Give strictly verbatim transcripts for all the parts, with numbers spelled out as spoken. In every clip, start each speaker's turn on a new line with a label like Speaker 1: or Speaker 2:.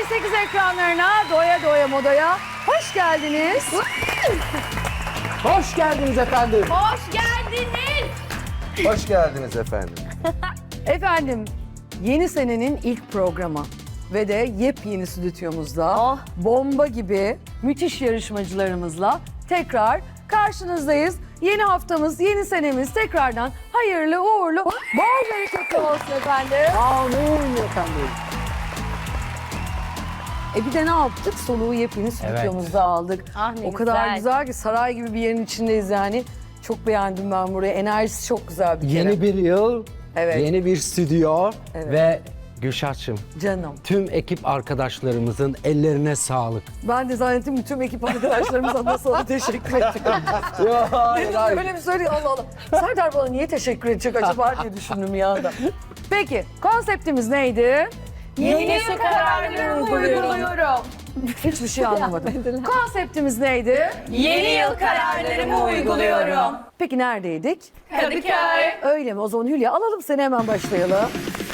Speaker 1: sekiz ekranlarına doya doya modaya hoş geldiniz.
Speaker 2: Hoş geldiniz efendim.
Speaker 3: Hoş geldiniz.
Speaker 2: Hoş geldiniz efendim.
Speaker 1: Efendim, yeni senenin ilk programı ve de yepyeni stüdyomuzda
Speaker 3: Oh.
Speaker 1: bomba gibi müthiş yarışmacılarımızla tekrar karşınızdayız. Yeni haftamız, yeni senemiz tekrardan hayırlı, uğurlu, bol bereketli olsun efendim.
Speaker 2: Amin efendim.
Speaker 1: E bir de ne yaptık? Soluğu yepyeni stüdyomuzda aldık.
Speaker 3: Ah ne
Speaker 1: o kadar
Speaker 3: güzel.
Speaker 1: güzel ki saray gibi bir yerin içindeyiz yani. Çok beğendim ben burayı. Enerjisi çok güzel bir kere.
Speaker 4: Yeni bir yıl,
Speaker 1: Evet.
Speaker 4: yeni bir stüdyo
Speaker 1: Evet.
Speaker 4: ve Gülşah'cığım
Speaker 1: Canım.
Speaker 4: tüm ekip arkadaşlarımızın ellerine sağlık.
Speaker 1: Ben de zannettim bütün ekip arkadaşlarımıza nasıl teşekkür edecek.
Speaker 4: Ya, hayır,
Speaker 1: Dedim
Speaker 4: hayır.
Speaker 1: öyle bir söyleyeyim Allah Allah. Serdar bana niye teşekkür edecek acaba diye düşündüm bir anda. Peki konseptimiz neydi?
Speaker 3: Yeni su kararlarımı uyguluyorum.
Speaker 1: Hiçbir şey anlamadım. Konseptimiz neydi?
Speaker 3: Yeni yıl kararlarımı uyguluyorum.
Speaker 1: Peki neredeydik?
Speaker 3: Kadıköy.
Speaker 1: Öyle mi? O zaman Hülya alalım seni, hemen başlayalım.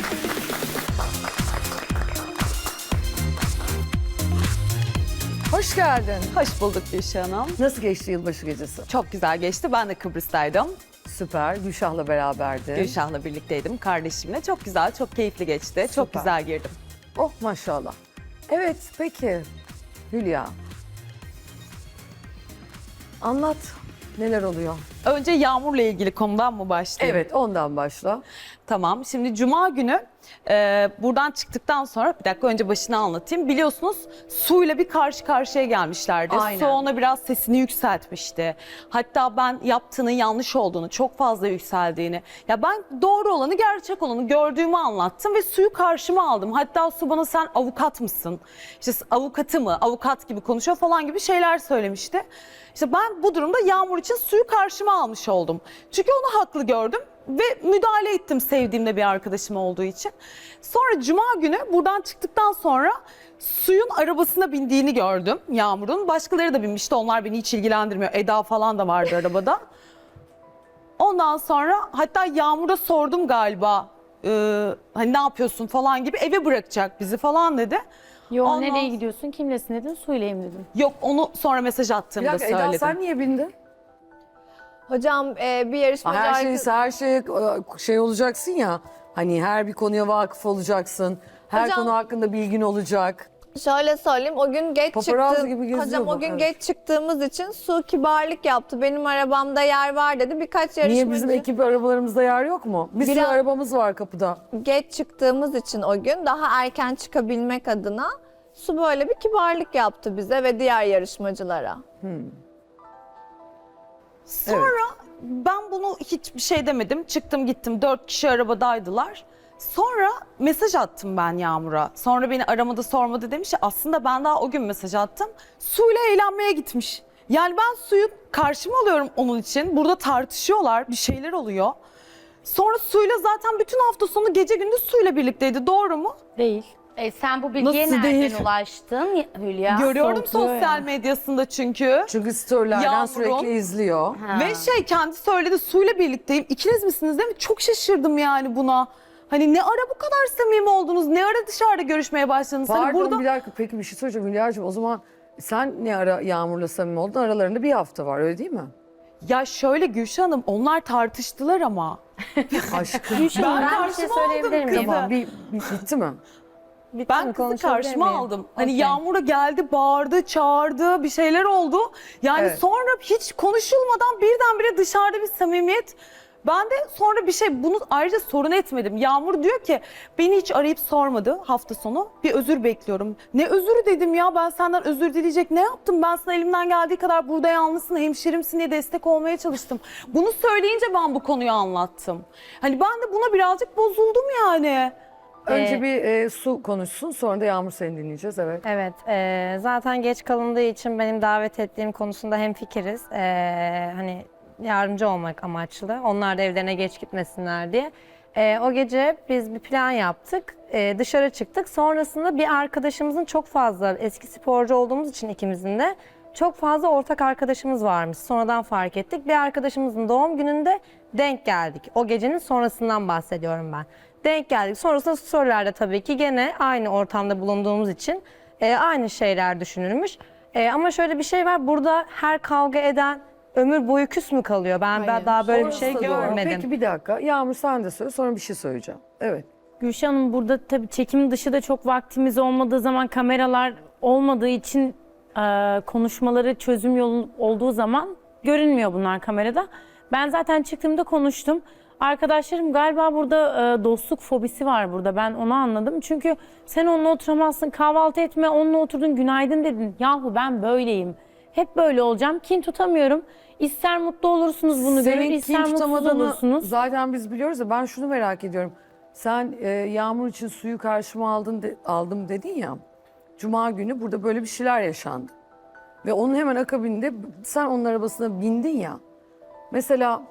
Speaker 1: Hoş geldin.
Speaker 5: Hoş bulduk Gülşah Hanım.
Speaker 1: Nasıl geçti yılbaşı gecesi?
Speaker 5: Çok güzel geçti. Ben de Kıbrıs'taydım.
Speaker 1: Süper. Gülşah'la beraberdi.
Speaker 5: Gülşah'la birlikteydim kardeşimle. Çok güzel, çok keyifli geçti. Çok
Speaker 1: Süper.
Speaker 5: güzel girdim.
Speaker 1: Oh maşallah. Evet peki Hülya. Anlat. Neler oluyor?
Speaker 5: Önce yağmurla ilgili konudan mı başlayayım?
Speaker 1: Evet ondan başla.
Speaker 5: Tamam. Şimdi Cuma günü e, buradan çıktıktan sonra bir dakika önce başını anlatayım. Biliyorsunuz suyla bir karşı karşıya gelmişlerdi.
Speaker 1: Aynen.
Speaker 5: Su ona biraz sesini yükseltmişti. Hatta ben yaptığının yanlış olduğunu, çok fazla yükseldiğini, ya ben doğru olanı, gerçek olanı gördüğümü anlattım ve suyu karşıma aldım. Hatta su bana sen avukat mısın? İşte avukatı mı? Avukat gibi konuşuyor falan gibi şeyler söylemişti. İşte ben bu durumda Yağmur için suyu karşıma almış oldum. Çünkü onu haklı gördüm ve müdahale ettim sevdiğimde bir arkadaşım olduğu için. Sonra Cuma günü buradan çıktıktan sonra suyun arabasına bindiğini gördüm Yağmur'un. Başkaları da binmişti, onlar beni hiç ilgilendirmiyor. Eda falan da vardı arabada. Ondan sonra hatta Yağmur'a sordum galiba, e, hani ne yapıyorsun falan gibi, eve bırakacak bizi falan dedi.
Speaker 3: Yo
Speaker 5: Ondan-
Speaker 3: nereye gidiyorsun? Kimlesin dedin? Suyleyim dedim.
Speaker 5: Yok, onu sonra mesaj
Speaker 1: Bir
Speaker 5: attığımda
Speaker 1: dakika Eda
Speaker 5: söyledim.
Speaker 1: sen niye bindin?
Speaker 6: Hocam e, bir yarışmacı
Speaker 1: Her şey
Speaker 6: arkadaş-
Speaker 1: her şey şey olacaksın ya. Hani her bir konuya vakıf olacaksın. Her
Speaker 6: Hocam-
Speaker 1: konu hakkında bilgin olacak.
Speaker 6: Şöyle söyleyeyim, o gün geç
Speaker 1: Paparazzi
Speaker 6: çıktım.
Speaker 1: gibi geziyor
Speaker 6: Hocam
Speaker 1: bu,
Speaker 6: o gün
Speaker 1: evet.
Speaker 6: geç çıktığımız için Su kibarlık yaptı. Benim arabamda yer var dedi. Birkaç yarışmacı
Speaker 1: Niye bizim ekip arabalarımızda yer yok mu? Bir sürü
Speaker 6: Biraz-
Speaker 1: arabamız var kapıda.
Speaker 6: geç çıktığımız için o gün daha erken çıkabilmek adına Su böyle bir kibarlık yaptı bize ve diğer yarışmacılara.
Speaker 5: Sonra ben bunu hiçbir şey demedim. Çıktım gittim. Dört kişi arabadaydılar. Sonra mesaj attım ben Yağmur'a. Sonra beni aramadı sormadı demiş ya. Aslında ben daha o gün mesaj attım. Suyla eğlenmeye gitmiş. Yani ben suyu karşıma alıyorum onun için. Burada tartışıyorlar. Bir şeyler oluyor. Sonra suyla zaten bütün hafta sonu gece gündüz suyla birlikteydi. Doğru mu?
Speaker 3: Değil. E, sen bu bilgiye
Speaker 5: Nasıl
Speaker 3: nereden
Speaker 5: değil?
Speaker 3: ulaştın Hülya?
Speaker 5: Görüyorum
Speaker 3: Soğutuyor
Speaker 5: sosyal
Speaker 3: ya.
Speaker 5: medyasında çünkü.
Speaker 1: Çünkü storylerden
Speaker 5: Yağmur'un-
Speaker 1: sürekli izliyor.
Speaker 3: Ha.
Speaker 5: Ve şey, kendi söyledi, suyla birlikteyim. İkiniz misiniz değil mi? Çok şaşırdım yani buna. Hani ne ara bu kadar samimi oldunuz? Ne ara dışarıda görüşmeye başladınız? Hani
Speaker 1: Pardon
Speaker 5: burada
Speaker 1: bir dakika, peki bir şey söyleyeceğim Hülya'cığım. O zaman sen ne ara Yağmur'la samimi oldun? Aralarında bir hafta var, öyle değil mi?
Speaker 5: ya şöyle Gülşah Hanım, onlar tartıştılar ama.
Speaker 1: Aşkım.
Speaker 3: Gülşah, ben, bir şey
Speaker 5: karşıma
Speaker 3: söyleyebilir
Speaker 5: aldım
Speaker 3: miyim?
Speaker 1: Tamam bir, bir bitti mi?
Speaker 5: Ben kızı karşıma
Speaker 3: miyim?
Speaker 5: aldım. Hani
Speaker 3: Okey.
Speaker 5: Yağmur'a geldi, bağırdı, çağırdı, bir şeyler oldu. Yani
Speaker 1: Evet.
Speaker 5: sonra hiç konuşulmadan birdenbire dışarıda bir samimiyet. Ben de sonra bir şey, bunu ayrıca sorun etmedim. Yağmur diyor ki beni hiç arayıp sormadı hafta sonu. Bir özür bekliyorum. Ne özürü dedim ya, ben senden özür dileyecek ne yaptım? Ben sana elimden geldiği kadar burada yalnızsın, hemşerimsin diye destek olmaya çalıştım. Bunu söyleyince ben bu konuyu anlattım. Hani ben de buna birazcık bozuldum yani.
Speaker 1: Önce
Speaker 3: Ee,
Speaker 1: bir e, Su konuşsun, sonra da Yağmur seni dinleyeceğiz, evet.
Speaker 7: Evet, e, zaten geç kalındığı için benim davet ettiğim konusunda hemfikiriz. E, hani yardımcı olmak amaçlı. Onlar da evlerine geç gitmesinler diye. E, o gece biz bir plan yaptık. E, dışarı çıktık. Sonrasında bir arkadaşımızın, çok fazla eski sporcu olduğumuz için ikimizin de çok fazla ortak arkadaşımız varmış. Sonradan fark ettik. Bir arkadaşımızın doğum gününde denk geldik. O gecenin sonrasından bahsediyorum ben. Denk geldik. Sonrasında storylerde tabii ki gene aynı ortamda bulunduğumuz için e, aynı şeyler düşünülmüş. E, ama şöyle bir şey var, burada her kavga eden ömür boyu küs mü kalıyor? Ben, ben daha böyle bir
Speaker 1: Orası
Speaker 7: şey
Speaker 1: da doğru.
Speaker 7: görmedim.
Speaker 1: Peki bir dakika. Yağmur sen de söyle, sonra bir şey söyleyeceğim. Evet.
Speaker 3: Gülşah Hanım, burada tabii çekim dışı da çok vaktimiz olmadığı zaman, kameralar olmadığı için e, konuşmaları çözüm yolu olduğu zaman görünmüyor bunlar kamerada. Ben zaten çıktığımda konuştum. Arkadaşlarım galiba burada e, dostluk fobisi var burada. Ben onu anladım. Çünkü sen onunla oturamazsın, kahvaltı etme, onunla oturdun, günaydın dedin. Yahu ben böyleyim. Hep böyle olacağım. Kin tutamıyorum. İster mutlu olursunuz bunu görür,
Speaker 1: Senin
Speaker 3: ister
Speaker 1: kin
Speaker 3: mutsuz
Speaker 1: tutamadığını
Speaker 3: olursunuz.
Speaker 1: zaten biz biliyoruz da ben şunu merak ediyorum. Sen e, Yağmur için suyu karşıma aldın de- aldım dedin ya. Cuma günü burada böyle bir şeyler yaşandı. Ve onun hemen akabinde sen onun arabasına bindin ya. Mesela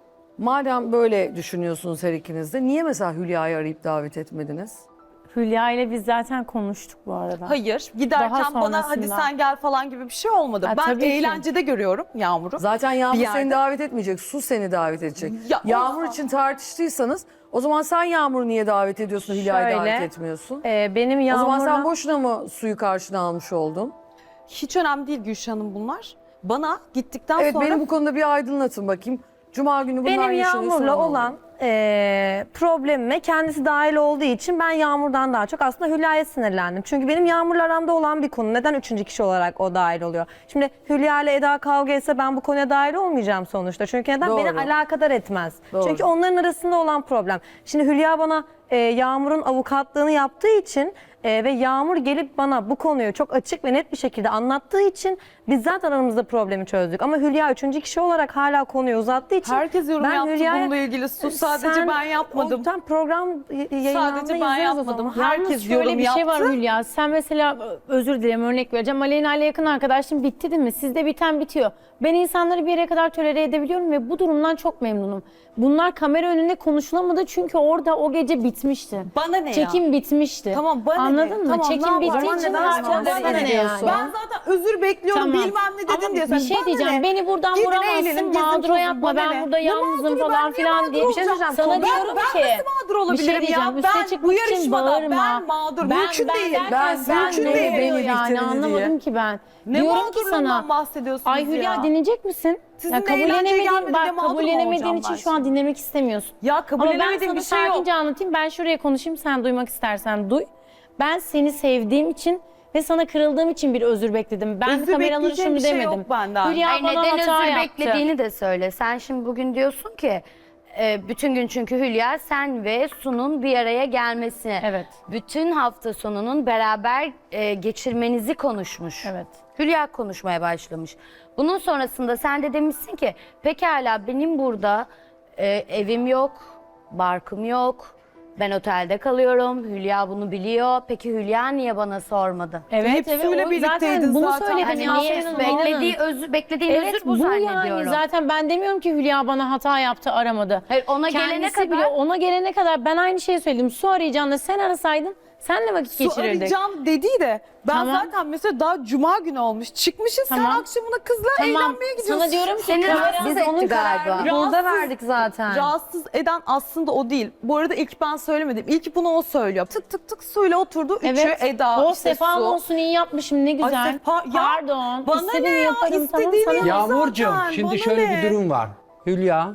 Speaker 1: madem böyle düşünüyorsunuz her ikiniz de, niye mesela Hülya'yı arayıp davet etmediniz?
Speaker 3: Hülya ile biz zaten konuştuk bu arada.
Speaker 5: Hayır, giderken
Speaker 3: Daha
Speaker 5: bana hadi
Speaker 3: sonrasında.
Speaker 5: sen gel falan gibi bir şey olmadı.
Speaker 3: Ha,
Speaker 5: ben
Speaker 3: tabii ki.
Speaker 5: eğlencede görüyorum Yağmur'u.
Speaker 1: Zaten Yağmur
Speaker 5: Bir yerde-
Speaker 1: seni davet etmeyecek, Su seni davet edecek.
Speaker 5: Ya, o
Speaker 1: Yağmur
Speaker 5: zaman-
Speaker 1: için tartıştıysanız o zaman sen Yağmur'u niye davet ediyorsun, Hülya'yı
Speaker 7: Şöyle,
Speaker 1: davet etmiyorsun?
Speaker 7: E, benim
Speaker 1: O
Speaker 7: Yağmur'la...
Speaker 1: zaman sen boşuna mı suyu karşına almış oldun?
Speaker 5: Hiç önemli değil Gülşah Hanım bunlar. Bana gittikten
Speaker 1: Evet,
Speaker 5: sonra...
Speaker 1: beni bu konuda bir aydınlatın bakayım. Cuma günü bunlar
Speaker 7: Benim
Speaker 1: yaşanıyor, sonra
Speaker 7: Yağmur'la
Speaker 1: ne
Speaker 7: olan
Speaker 1: oluyor?
Speaker 7: eee problemime kendisi dahil olduğu için ben Yağmur'dan daha çok aslında Hülya'ya sinirlendim. Çünkü benim Yağmur'la aramda olan bir konu. Neden üçüncü kişi olarak o dahil oluyor? Şimdi Hülya ile Eda kavga etse ben bu konuya dahil olmayacağım sonuçta. Çünkü neden?
Speaker 1: Doğru.
Speaker 7: Beni alakadar etmez.
Speaker 1: Doğru.
Speaker 7: Çünkü onların arasında olan problem. Şimdi Hülya bana eee, Yağmur'un avukatlığını yaptığı için eee, ve Yağmur gelip bana bu konuyu çok açık ve net bir şekilde anlattığı için biz zaten aramızda problemi çözdük. Ama Hülya üçüncü kişi olarak hala konuyu uzattığı için
Speaker 5: Herkes yorum
Speaker 7: ben
Speaker 5: yaptı
Speaker 7: Hülya'ya-
Speaker 5: bununla ilgili. Sus, sadece
Speaker 7: Sen-
Speaker 5: ben yapmadım.
Speaker 7: O, tam program y- yayınlandı,
Speaker 5: Sadece ben
Speaker 7: izleriz o
Speaker 5: yapmadım.
Speaker 7: zaman.
Speaker 5: Herkes
Speaker 3: Yalnız şöyle
Speaker 5: yorum
Speaker 3: bir şey var
Speaker 5: yaptı.
Speaker 3: Hülya. Sen mesela, özür dilerim, örnek vereceğim. Aleyna ile yakın arkadaşım, bitti değil mi? Sizde biten bitiyor. Ben insanları bir yere kadar tolere edebiliyorum ve bu durumdan çok memnunum. Bunlar kamera önünde konuşulamadı çünkü orada o gece bitmişti.
Speaker 5: Bana ne ya?
Speaker 3: Çekim bitmişti.
Speaker 5: Tamam, bana ne?
Speaker 3: Anladın mı?
Speaker 5: Tamam, ne
Speaker 3: Çekim bittiği
Speaker 5: yapalım?
Speaker 3: için
Speaker 7: Neden
Speaker 3: artık
Speaker 7: sonra
Speaker 3: bana
Speaker 7: sinir
Speaker 3: ne
Speaker 7: ediyorsun?
Speaker 3: yani?
Speaker 5: Ben zaten özür bekliyorum
Speaker 3: Tamam.
Speaker 5: bilmem ne dedin
Speaker 3: Ama
Speaker 5: diye.
Speaker 3: bir
Speaker 5: Sen,
Speaker 3: şey
Speaker 5: bana
Speaker 3: diyeceğim.
Speaker 5: ne?
Speaker 3: Beni buradan
Speaker 5: Gidin
Speaker 3: vuramazsın.
Speaker 5: eğlenin, gezin,
Speaker 3: Mağdura
Speaker 5: tozun,
Speaker 3: yapma.
Speaker 5: bana
Speaker 3: Ben
Speaker 5: ne?
Speaker 3: burada
Speaker 5: Ne
Speaker 3: yalnızım
Speaker 5: mağduru,
Speaker 3: falan
Speaker 5: ben niye
Speaker 3: filan
Speaker 5: mağdur
Speaker 3: diye.
Speaker 7: Bir şey söyleyeceğim.
Speaker 3: Sana
Speaker 7: Ben-
Speaker 3: diyorum
Speaker 5: ben
Speaker 3: ki.
Speaker 5: nasıl mağdur
Speaker 3: Bir
Speaker 5: olabilirim
Speaker 3: şey diyeceğim.
Speaker 5: ya?
Speaker 3: Üste
Speaker 5: Ben
Speaker 3: çıkmak
Speaker 5: bu
Speaker 3: için
Speaker 5: yarışmada
Speaker 3: bağırma.
Speaker 5: ben mağdur. Mümkün değil.
Speaker 3: derken
Speaker 1: Ben
Speaker 3: sen
Speaker 1: mümkün
Speaker 3: ne
Speaker 1: değil,
Speaker 3: oluyor
Speaker 1: beni
Speaker 3: yani
Speaker 1: bitirin
Speaker 3: anlamadım
Speaker 1: diye.
Speaker 3: ki ben.
Speaker 5: Ne
Speaker 3: Diyorum ki
Speaker 5: mağdurluğundan
Speaker 3: sana.
Speaker 5: bahsediyorsunuz
Speaker 3: Ay Hülya,
Speaker 5: ya?
Speaker 3: dinleyecek misin?
Speaker 5: Sizin
Speaker 3: Ya
Speaker 5: de eğlenceye
Speaker 3: kabullenemediğin,
Speaker 5: gelmedi diye
Speaker 3: bak
Speaker 5: mağdur mu
Speaker 3: kabullenemediğin
Speaker 5: olacağım
Speaker 3: için
Speaker 5: ben
Speaker 3: şu an
Speaker 5: şimdi?
Speaker 3: dinlemek istemiyorsun.
Speaker 5: Ya
Speaker 3: Ama ben
Speaker 5: kabullenemediğim
Speaker 3: sana
Speaker 5: bir şey yok.
Speaker 3: sakince anlatayım. Ben şuraya konuşayım, sen duymak istersen duy. Ben seni sevdiğim için ve sana kırıldığım için bir özür bekledim. Ben
Speaker 5: Özür
Speaker 3: kameraları
Speaker 5: bekleyeceğim
Speaker 3: şunu
Speaker 5: bir şey
Speaker 3: demedim.
Speaker 5: yok benden.
Speaker 3: Hülya
Speaker 8: Ay,
Speaker 3: bana
Speaker 8: neden
Speaker 3: hata
Speaker 8: özür
Speaker 3: yaptı.
Speaker 8: beklediğini de söyle. Sen şimdi bugün diyorsun ki e, bütün gün, çünkü Hülya sen ve Su'nun bir araya gelmesini,
Speaker 3: Evet.
Speaker 8: bütün hafta sonunun beraber e, geçirmenizi konuşmuş.
Speaker 3: Evet.
Speaker 8: Hülya konuşmaya başlamış. Bunun sonrasında sen de demişsin ki pekala benim burada e, evim yok, barkım yok. Ben otelde kalıyorum. Hülya bunu biliyor. Peki Hülya niye bana sormadı?
Speaker 3: Evet,
Speaker 5: Hepsiyle
Speaker 3: evet. O
Speaker 5: birlikteydin
Speaker 3: zaten bunu
Speaker 5: zaten.
Speaker 3: söyledim.
Speaker 8: Hani
Speaker 3: ya,
Speaker 8: niye
Speaker 3: Aslı Hanım,
Speaker 8: beklediği
Speaker 3: inanın.
Speaker 8: özür, beklediğin
Speaker 3: Evet,
Speaker 8: özür bu,
Speaker 3: bu
Speaker 8: zannediyorum.
Speaker 3: yani zaten ben demiyorum ki Hülya bana hata yaptı, aramadı.
Speaker 8: Hayır, ona gelene
Speaker 3: Kendisi
Speaker 8: kadar
Speaker 3: bile, ona gelene kadar ben aynı şeyi söyledim. Su arayacağını sen arasaydın senle vakit
Speaker 5: Su
Speaker 3: geçirirdik.
Speaker 5: arayacağım dediği de ben
Speaker 3: Tamam.
Speaker 5: zaten mesela daha cuma günü olmuş. Çıkmışız
Speaker 3: Tamam.
Speaker 5: sen akşamına kızla
Speaker 3: Tamam.
Speaker 5: eğlenmeye gidiyorsun.
Speaker 3: Sana diyorum ki
Speaker 8: Seni
Speaker 3: kamera-
Speaker 8: rahatsız
Speaker 7: Biz onun
Speaker 8: etti galiba.
Speaker 7: kararını burada verdik zaten.
Speaker 5: Rahatsız eden aslında o değil. Bu arada ilk ben söylemedim. İlk bunu o söylüyor. Tık tık tık suyla oturdu. Üçü
Speaker 3: Evet.
Speaker 5: Eda,
Speaker 3: Oh,
Speaker 5: işte
Speaker 3: sefam
Speaker 5: su.
Speaker 3: olsun, iyi yapmışım, ne güzel.
Speaker 5: Ay Sefa, ya
Speaker 3: Pardon.
Speaker 5: bana
Speaker 3: istediğimi
Speaker 5: ne ya?
Speaker 3: yaparım, tamam,
Speaker 5: İstediğini
Speaker 3: sana-
Speaker 5: yap.
Speaker 4: Yağmurcuğum,
Speaker 5: zaten,
Speaker 4: şimdi
Speaker 5: bana
Speaker 4: şöyle
Speaker 5: ne?
Speaker 4: bir durum var. Hülya,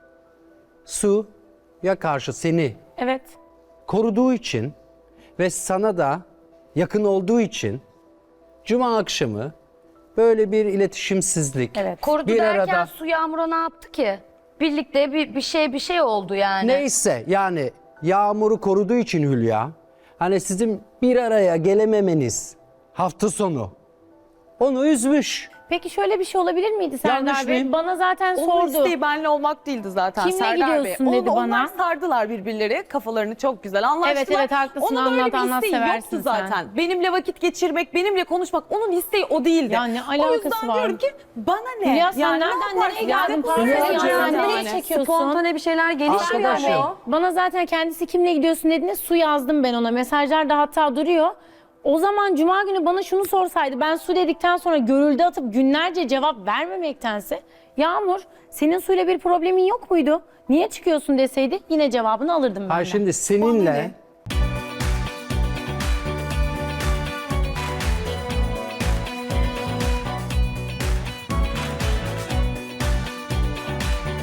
Speaker 4: Su'ya karşı seni
Speaker 3: Evet.
Speaker 4: koruduğu için ve sana da yakın olduğu için Cuma akşamı böyle bir iletişimsizlik,
Speaker 3: Evet.
Speaker 8: Korudu
Speaker 4: bir
Speaker 8: derken
Speaker 4: arada
Speaker 8: Su Yağmur'a ne yaptı ki? Birlikte bir, bir şey bir şey oldu yani.
Speaker 4: neyse yani Yağmur'u koruduğu için Hülya, hani sizin bir araya gelememeniz hafta sonu onu üzmüş.
Speaker 3: Peki şöyle bir şey olabilir miydi
Speaker 4: Yanlış
Speaker 3: Serdar Bey?
Speaker 4: mıyım?
Speaker 3: Bana zaten
Speaker 5: Onun
Speaker 3: sordu.
Speaker 5: isteği benle olmak değildi zaten
Speaker 3: Kimle
Speaker 5: Serdar Bey.
Speaker 3: gidiyorsun
Speaker 5: Onu-
Speaker 3: dedi
Speaker 5: Onlar
Speaker 3: bana.
Speaker 5: sardılar birbirleri. Kafalarını çok güzel anlaştılar.
Speaker 3: Evet, evet, haklısın.
Speaker 5: Onun öyle
Speaker 3: Anlat,
Speaker 5: bir
Speaker 3: anlat,
Speaker 5: isteği
Speaker 3: seversin
Speaker 5: yoktu
Speaker 3: sen.
Speaker 5: zaten. Benimle vakit geçirmek, benimle konuşmak onun isteği o değildi.
Speaker 3: Ya ne
Speaker 5: O
Speaker 3: alakası
Speaker 5: yüzden
Speaker 3: var?
Speaker 5: diyorum ki bana ne?
Speaker 3: Hülya sen
Speaker 5: Yani ne
Speaker 3: nereden
Speaker 5: yaparsın?
Speaker 3: nereye geldin?
Speaker 5: Yani
Speaker 3: Pardon
Speaker 4: Hülyacığım.
Speaker 3: ya,
Speaker 4: Yani.
Speaker 3: nereye çekiyorsun?
Speaker 7: Spontane bir şeyler gelişiyor.
Speaker 4: Arkadaşım.
Speaker 7: mu?
Speaker 3: Bana zaten kendisi kimle gidiyorsun dediğinde Su yazdım ben ona. Mesajlar da hatta duruyor. O zaman Cuma günü bana şunu sorsaydı, ben Su dedikten sonra görüldü atıp günlerce cevap vermemektense, Yağmur senin Su'yla bir problemin yok muydu? Niye çıkıyorsun deseydi yine cevabını alırdım ben.
Speaker 4: Hayır şimdi seninle